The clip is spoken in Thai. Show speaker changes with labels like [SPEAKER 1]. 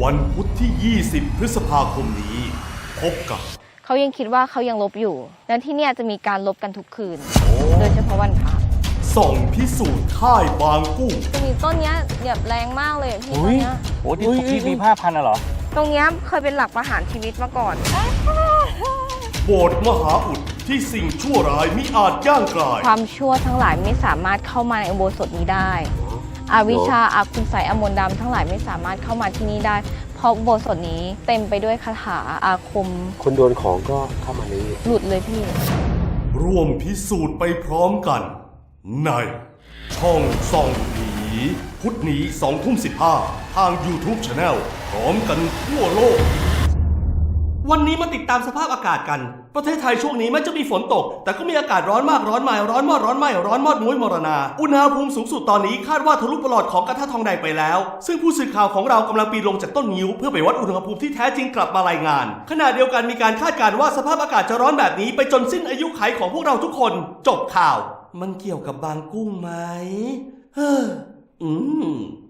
[SPEAKER 1] วันพุธที่ 20 พฤษภาคมนี้พบกับ
[SPEAKER 2] เขายังคิดว่าเขายังลบอยู่และที่เนี่ยจะมีการลบกันทุกคืนโดยเฉพาะวันพระ
[SPEAKER 1] ส่องพิสูจน์ค่ายบางกุ้ง
[SPEAKER 2] จะมีต้นเนี้ยแบบแรงมากเลยพี่ต้นเนี้ย
[SPEAKER 3] โอ้ที่มีผ้าพันเหรอ
[SPEAKER 2] ตรงเนี้ยเคยเป็นหลักประหารชีวิตมาก่อน
[SPEAKER 1] โบสถ์มหาอุดที่สิ่งชั่วร้ายมิอาจย่างกลาย
[SPEAKER 2] ความชั่วทั้งหลายไม่สามารถเข้ามาในอุโบสถนี้ได้อวิชชาอาคุณไสยอมนต์ดำทั้งหลายไม่สามารถเข้ามาที่นี่ได้เพราะอุโบสถนี้เต็มไปด้วยคาถาอาคม
[SPEAKER 3] คนโดนของก็เข้ามานี้
[SPEAKER 2] หลุดเลยพี่
[SPEAKER 1] ร่วมพิสูจน์ไปพร้อมกันในช่องส่องผีพุธนี้ 20:15 ทาง YouTube Channel พร้อมกันทั่วโลกวันนี้มาติดตามสภาพอากาศกันประเทศไทยช่วงนี้แม้จะมีฝนตกแต่ก็มีอากาศร้อนมากร้อนใหม่ร้อนมอดร้อนไหม้ร้อนมอดมุ้ยมรณาอุณหภูมิสูงสุดตอนนี้คาดว่าทะลุปลอดของกระทะทองแดงไปแล้วซึ่งผู้สื่อข่าวของเรากำลังปีนลงจากต้นงิ้วเพื่อไปวัดอุณหภูมิที่แท้จริงกลับมารายงานขณะเดียวกันมีการคาดการณ์ว่าสภาพอากาศจะร้อนแบบนี้ไปจนสิ้นอายุขัยของพวกเราทุกคนจบข่าวมันเกี่ยวกับบางกุ้งไหม